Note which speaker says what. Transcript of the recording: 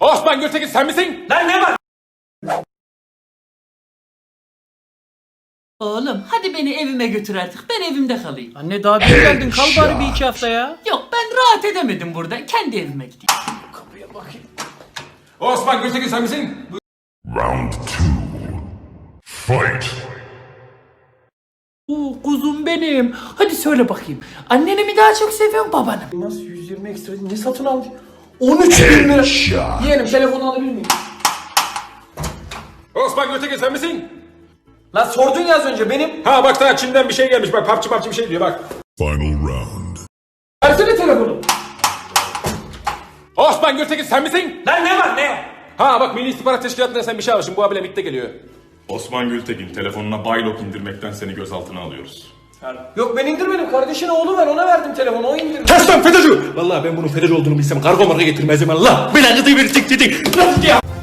Speaker 1: Osman Gültekin sen misin?
Speaker 2: Lan ne var?
Speaker 3: Oğlum hadi beni evime götür artık. Ben evimde kalayım.
Speaker 2: Anne daha bir geldin, kal bari bir iki hafta ya.
Speaker 3: Yok ben rahat edemedim burada. Kendi evime gideyim.
Speaker 2: Kapıya bakayım.
Speaker 1: Osman Gültekin sen misin?
Speaker 4: Round 2. Fight!
Speaker 3: Oo kuzum benim. Hadi söyle bakayım. Anneni mi daha çok seviyorsun babanı mı?
Speaker 2: Nasıl 120 ekstra ne satın almış? 13 bin lira. Yeğenim telefonu alabilir miyim?
Speaker 1: Osman Gültekin sen misin?
Speaker 2: Lan sordun ya az önce benim.
Speaker 1: Ha bak daha Çin'den bir şey gelmiş bak papçı bir şey diyor bak.
Speaker 4: Final round.
Speaker 2: Versene telefonu.
Speaker 1: Osman Gültekin sen misin?
Speaker 2: Lan ne var ne?
Speaker 1: Ha bak Milli İstihbarat Teşkilatı'ndan sen bir şey almışsın bu abiyle MİT'te geliyor.
Speaker 5: Osman Gültekin telefonuna Baylok indirmekten seni gözaltına alıyoruz.
Speaker 2: Yok ben indirmedim, kardeşin oğlu var, ona verdim telefonu, o indirdi.
Speaker 1: Kes lan FETÖ'cü! Vallahi ben bunun FETÖ'cü olduğunu bilsem kargo marka getirmezdim Allah. Belanızı verirsin dedi. Nasıl ya?